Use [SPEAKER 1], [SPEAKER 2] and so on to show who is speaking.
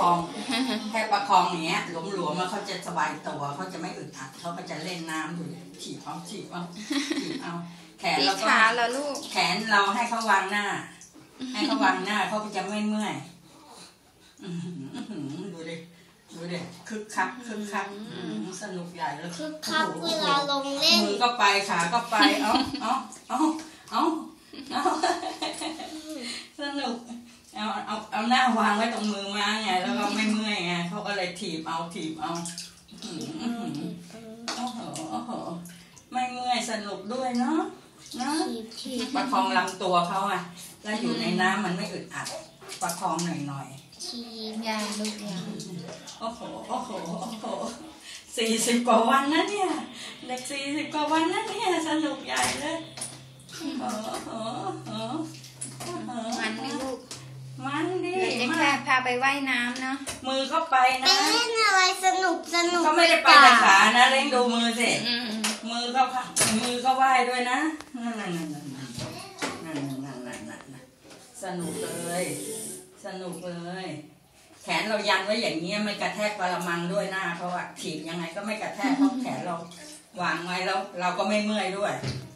[SPEAKER 1] องแค่ประคองอย่างเงี้ยหลวมๆแล้วเขาจะสบายตัวเขาจะไม่อึดอัดเขาก็จะเล่นน้ำอยู่ถีบเอาแขนเราก็แขนเราให้เขาวางหน้าให้เขาวางหน้าเขาก็จะไม่เมื่อยดูดิคึกคักสนุกใหญ่เลย
[SPEAKER 2] คึกคักเวลาลงเล่น
[SPEAKER 1] มือก็ไปขาก็ไปเอาสนุกเอาหน้าวางไว้ตรงมือมาไงแล้วก็ไม่เมื่อยไงเขาก็เลยถีบเอาโอ้โหไม่เมื่อยสนุกด้วยเนาะประคองลำตัวเขาอ่ะแล้วอยู่ในน้ำมันไม่อึดอัดประคองหน่อย
[SPEAKER 2] ยางลูกยาง
[SPEAKER 1] โอ้โห40 กว่าวันนะเนี่ยเด็ก40 กว่าวันนะเนี่ยสนุกใหญ่เลย
[SPEAKER 3] มันไม่ลูก
[SPEAKER 1] มันดิ
[SPEAKER 3] จะแค่พาไปว่ายน้ำเนาะ
[SPEAKER 1] มือก็ไปนะ
[SPEAKER 2] ไปเล่นอะไรสนุก
[SPEAKER 1] ก็ไม่ได้ไปแต่ขานะเล่งดูมือสิมือก็ว่ายด้วยนะนั่นสนุกเลยแขนเรายันไว้อย่างเงี้ยไม่กระแทกกระมังด้วยหน้าเพราะว่าถีบยังไงก็ไม่กระแทกเพราะแขนเราวางไว้แล้วเราก็ไม่เมื่อยด้วย